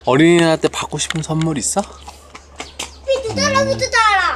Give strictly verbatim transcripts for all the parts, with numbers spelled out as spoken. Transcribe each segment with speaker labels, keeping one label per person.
Speaker 1: 어린이날때 받고 싶은 선물 있어?
Speaker 2: 피도 달아, 피도 달아.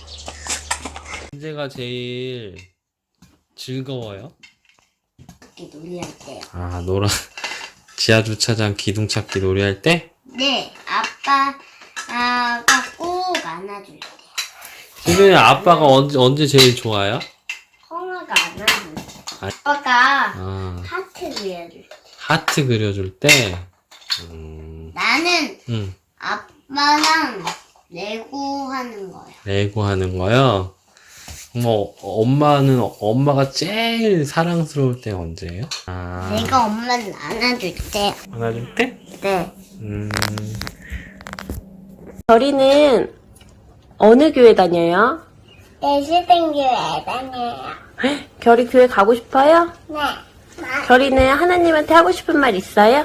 Speaker 1: 언제가 제일 즐거워요?
Speaker 2: 놀이할 때요.
Speaker 1: 아, 노라 지하 주차장 기둥 찾기 놀이할 때?
Speaker 2: 네, 아빠가 꼭 안아줄 때.
Speaker 1: 지금 아빠가 언제 언제 제일 좋아요?
Speaker 2: 형아가 안아줄 때.
Speaker 1: 아.
Speaker 2: 아빠가
Speaker 1: 아,
Speaker 2: 하트 그려줄 때.
Speaker 1: 하트 그려줄 때. 음,
Speaker 2: 나는
Speaker 1: 음,
Speaker 2: 아빠랑 레고 하는 거야.
Speaker 1: 레고 하는 거요. 뭐 엄마는 엄마가 제일 사랑스러울 때 언제예요? 아,
Speaker 2: 내가 엄마를 안아줄 때.
Speaker 1: 안아줄 때?
Speaker 2: 네.
Speaker 1: 음,
Speaker 3: 결이는 어느 교회 다녀요?
Speaker 2: 예수생교회 다녀요.
Speaker 3: 결이 교회 가고 싶어요?
Speaker 2: 네.
Speaker 3: 결이는 하나님한테 하고 싶은 말 있어요?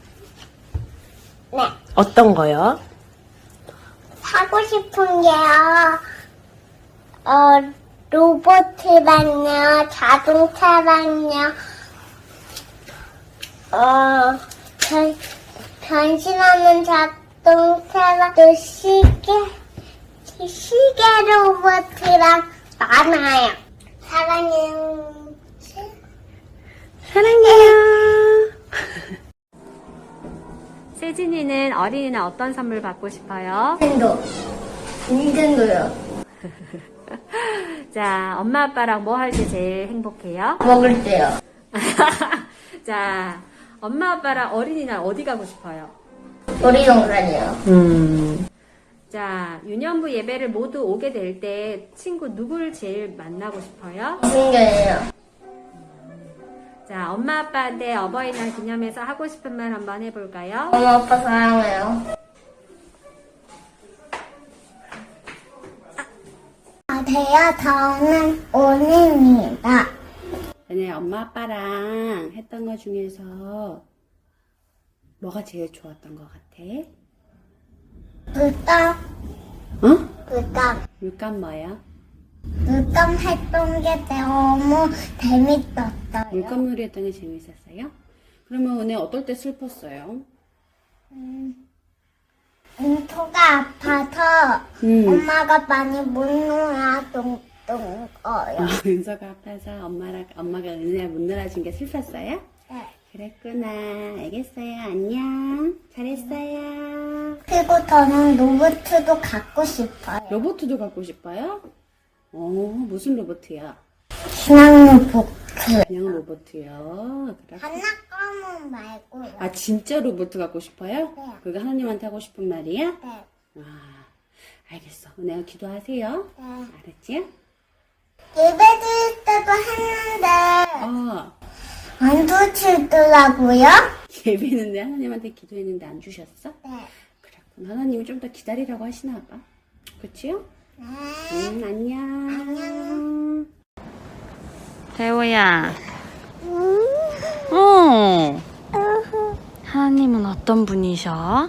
Speaker 2: 네.
Speaker 3: 어떤 거요?
Speaker 2: 사고 싶은 게요. 어, 로봇이랑요, 자동차랑요, 어, 변, 변신하는 자동차랑 또 시계, 시계 로봇이랑 많아요. 사랑해요.
Speaker 3: 사랑해요. 세진이는 어린이날 어떤 선물 받고 싶어요?
Speaker 2: 닌텐도. 닌텐도요.
Speaker 3: 자, 엄마 아빠랑 뭐 할 때 제일 행복해요?
Speaker 2: 먹을 때요.
Speaker 3: 자, 엄마 아빠랑 어린이날 어디 가고 싶어요?
Speaker 2: 놀이동산이요.
Speaker 3: 음. 자, 유년부 예배를 모두 오게 될 때 친구 누구를 제일 만나고 싶어요?
Speaker 2: 신기해요.
Speaker 3: 자, 엄마 아빠한테 어버이날 기념해서 하고 싶은 말 한번 해볼까요?
Speaker 2: 엄마 아빠 사랑해요. 안녕하세요. 저는 오늘입니다.
Speaker 3: 전에 엄마 아빠랑 했던 것 중에서 뭐가 제일 좋았던 것 같아?
Speaker 2: 물감,
Speaker 3: 어?
Speaker 2: 물감,
Speaker 3: 물감 뭐야?
Speaker 2: 물감 했던 게 너무 재밌었어요.
Speaker 3: 물감놀이 했던 게 재밌었어요? 그러면 오늘 어떨 때 슬펐어요?
Speaker 2: 인토가 아파서
Speaker 3: 음.
Speaker 2: 엄마가 많이 못 놀아줬던 거예요.
Speaker 3: 아, 은서가 아파서 엄마랑, 엄마가 은혜를 못 놀아준 게 슬펐어요?
Speaker 2: 네.
Speaker 3: 그랬구나. 알겠어요. 안녕. 잘했어요.
Speaker 2: 그리고 저는 로봇도 갖고 싶어요.
Speaker 3: 로봇도 갖고 싶어요? 어, 무슨 로봇이야?
Speaker 2: 그냥 로봇.
Speaker 3: 그냥 로봇이요. 그래.
Speaker 2: 장난감은 말고요.
Speaker 3: 아, 진짜 로봇 갖고 싶어요?
Speaker 2: 네.
Speaker 3: 그거 하나님한테 하고 싶은 말이야?
Speaker 2: 네.
Speaker 3: 아, 알겠어. 내가 기도하세요.
Speaker 2: 네.
Speaker 3: 알았지?
Speaker 2: 예배 드릴 때도 했는데
Speaker 3: 어,
Speaker 2: 안 주시더라고요.
Speaker 3: 예배는 내 하나님한테 기도했는데 안 주셨어?
Speaker 2: 네.
Speaker 3: 그랬구나. 하나님이 좀 더 기다리라고 하시나 봐. 그치요?
Speaker 2: 네.
Speaker 3: 음, 안녕.
Speaker 2: 안녕.
Speaker 4: 대호야. 어. 하나님은 어떤 분이셔?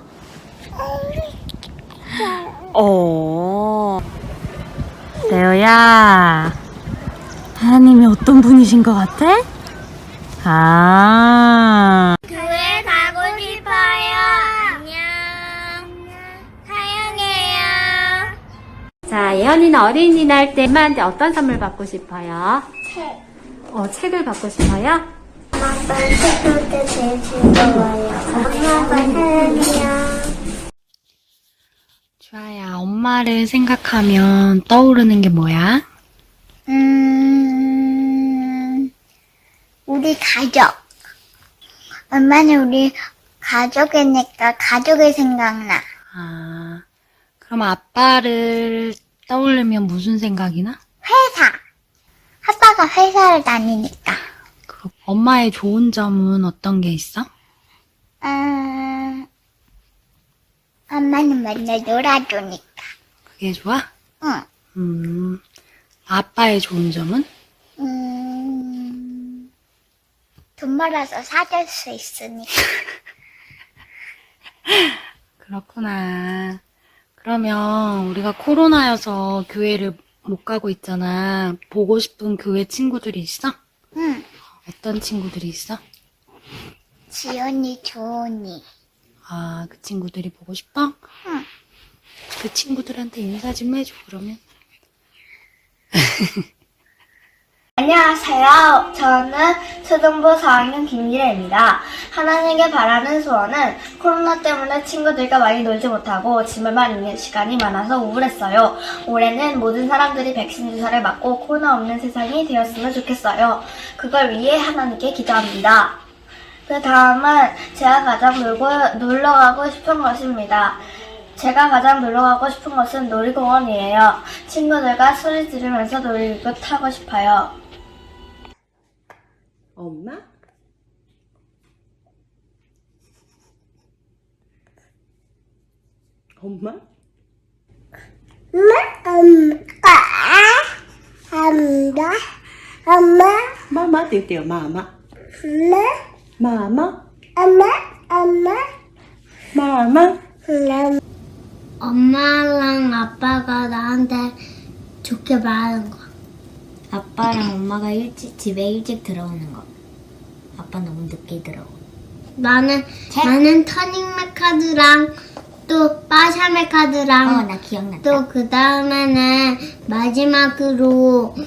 Speaker 4: 어. 대호야. 하나님이 어떤 분이신 것 같아? 아.
Speaker 2: 교회 가고 싶어요. 안녕. 사랑해요.
Speaker 3: 자, 예언이는 어린이날 때 엄마한테 어떤 선물 받고 싶어요?
Speaker 2: 책.
Speaker 3: 어, 책을 받고 싶어요?
Speaker 2: 아빠 책 볼 때 제일 즐거워요. 엄마 아빠 사랑해요.
Speaker 4: 주아야, 엄마를 생각하면 떠오르는 게 뭐야?
Speaker 2: 음, 우리 가족. 엄마는 우리 가족이니까 가족이 생각나.
Speaker 4: 아, 그럼 아빠를 떠올리면 무슨 생각이 나?
Speaker 2: 회사. 아빠가 회사를 다니니까.
Speaker 4: 그럼 엄마의 좋은 점은 어떤 게 있어?
Speaker 2: 음, 엄마는 맨날 놀아주니까.
Speaker 4: 그게 좋아?
Speaker 2: 응.
Speaker 4: 음, 아빠의 좋은 점은?
Speaker 2: 음, 돈 벌어서 사줄 수 있으니까.
Speaker 4: 그렇구나. 그러면 우리가 코로나여서 교회를 못 가고 있잖아. 보고 싶은 교회 친구들이 있어?
Speaker 2: 응.
Speaker 4: 어떤 친구들이 있어?
Speaker 2: 지연이, 조은이.
Speaker 4: 아, 그 친구들이 보고 싶어?
Speaker 2: 응.
Speaker 4: 그 친구들한테 인사 좀 해줘, 그러면.
Speaker 2: 안녕하세요. 저는 초등부 사 학년 김미래입니다. 하나님께 바라는 소원은 코로나 때문에 친구들과 많이 놀지 못하고 집에만 있는 시간이 많아서 우울했어요. 올해는 모든 사람들이 백신 주사를 맞고 코로나 없는 세상이 되었으면 좋겠어요. 그걸 위해 하나님께 기도합니다. 그 다음은 제가 가장 놀고, 놀러 가고 싶은 것입니다. 제가 가장 놀러 가고 싶은 곳은 놀이공원이에요. 친구들과 소리 지르면서 놀이기구 타고 싶어요.
Speaker 3: 엄마? 엄마?
Speaker 2: 엄마, 엄마,
Speaker 3: 마마 뛸게요. 마마.
Speaker 2: 엄마,
Speaker 3: 마마.
Speaker 2: 엄마, 엄마.
Speaker 3: 마마.
Speaker 2: 엄마랑 아빠가 나한테 좋게 말하는 거.
Speaker 5: 아빠랑 엄마가 일찍 집에 일찍 들어오는 거. 아빠 너무 늦게 들어오고.
Speaker 2: 나는 나는 터닝맥 카드랑 또 빠샤맥 카드랑
Speaker 5: 어, 나 기억났다.
Speaker 2: 또 그 다음에는 마지막으로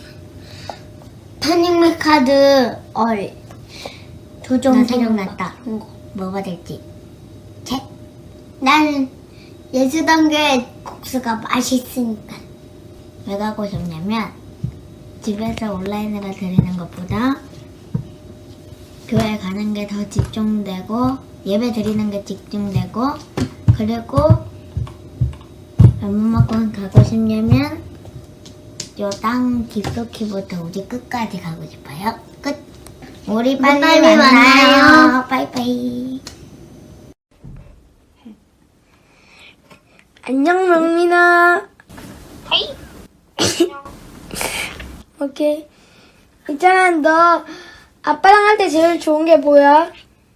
Speaker 2: 터닝맥 카드 얼 도전
Speaker 5: 나 생각났다.
Speaker 2: 거.
Speaker 5: 뭐가 될지.
Speaker 2: 책. 나는 예수단교의 국수가 맛있으니까.
Speaker 5: 왜 가고 싶냐면 집에서 온라인으로 드리는 것보다 교회 가는 게 더 집중되고 예배 드리는 게 집중되고 그리고 얼마만큼 가고 싶냐면 요 땅 깊숙이부터 우리 끝까지 가고 싶어요. 끝. 우리 빨리,
Speaker 2: 빨리
Speaker 5: 만나요.
Speaker 2: 만나요.
Speaker 5: 빠이빠이.
Speaker 2: 안녕 명민아. 오케이. 있잖아, 너 아빠랑 할 때 제일 좋은 게 뭐야?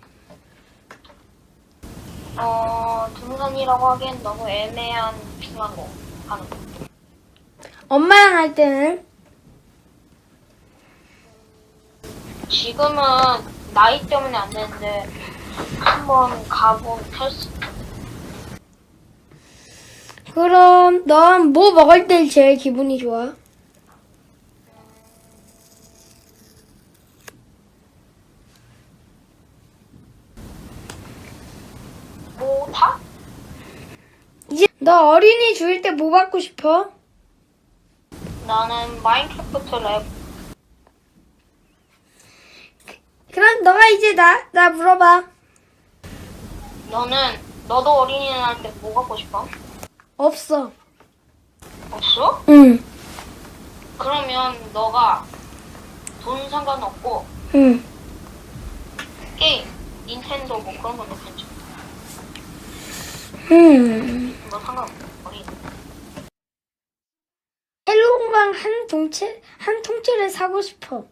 Speaker 6: 어, 등산이라고 하기엔 너무 애매한 중요한 거 하는 거.
Speaker 2: 엄마랑 할 때는?
Speaker 6: 지금은 나이 때문에 안 되는데 한번 가본 텔스.
Speaker 2: 그럼 넌 뭐 먹을 때 제일 기분이 좋아?
Speaker 6: 뭐 다?
Speaker 2: 이제 너 어린이 주일 때 뭐 받고 싶어?
Speaker 6: 나는 마인크래프트 랩.
Speaker 2: 그럼 너가 이제 나, 나 물어봐.
Speaker 6: 너는 너도 어린이날 때 뭐 갖고 싶어?
Speaker 2: 없어.
Speaker 6: 없어?
Speaker 2: 응,
Speaker 6: 그러면 너가 돈 상관없고
Speaker 2: 응.
Speaker 6: 게임, 닌텐도 뭐 그런 것도 괜찮아.
Speaker 2: 음.
Speaker 6: 뭐 상관없어. 어린이.
Speaker 2: 헬로 공방 한 통째, 한 통째를 사고 싶어.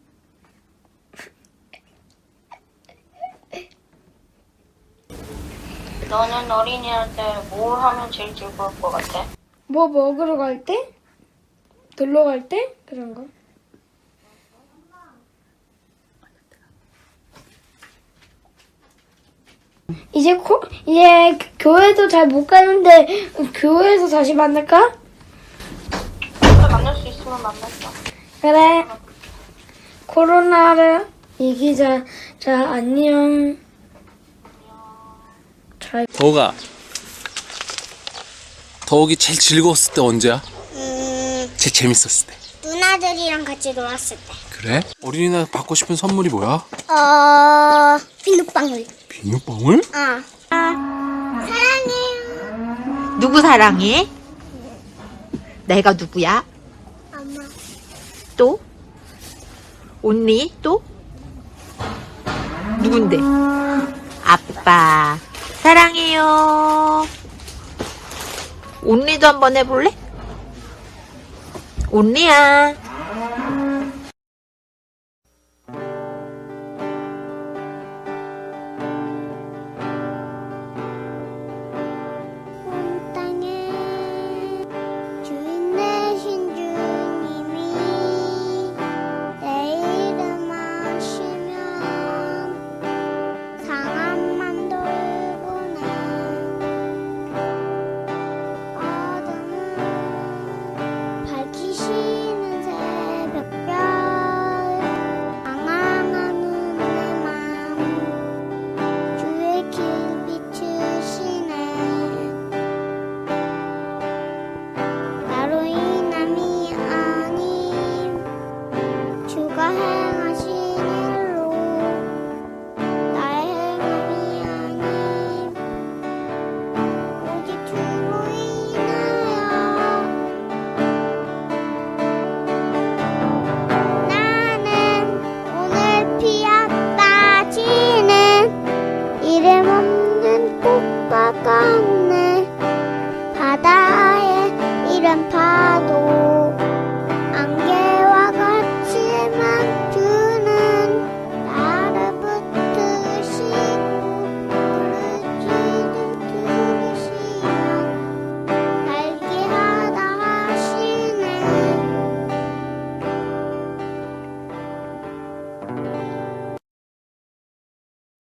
Speaker 6: 너는 어린이날 때 뭘 하면 제일 즐거울 것 같아?
Speaker 2: 뭐 먹으러 갈 때? 놀러 갈 때? 그런 거. 이제 코, 이제 교회도 잘 못 가는데 교회에서 다시 만날까?
Speaker 6: 그래, 만날 수 있으면 만났어.
Speaker 2: 그래. 코로나를 이기자. 자, 안녕. 잘.
Speaker 1: 더우가 더욱이 제일 즐거웠을 때 언제야?
Speaker 2: 음,
Speaker 1: 제일 재밌었을 때.
Speaker 2: 누나들이랑 같이 놀았을 때.
Speaker 1: 그래? 어린이날 받고 싶은 선물이 뭐야?
Speaker 2: 어, 비눗방울.
Speaker 1: 비눗방울?
Speaker 2: 어. 사랑해요.
Speaker 7: 누구 사랑해? 내가 누구야?
Speaker 2: 엄마.
Speaker 7: 또? 언니? 또? 누군데? 아빠 사랑해요. 언니도 한번 해볼래? 언니야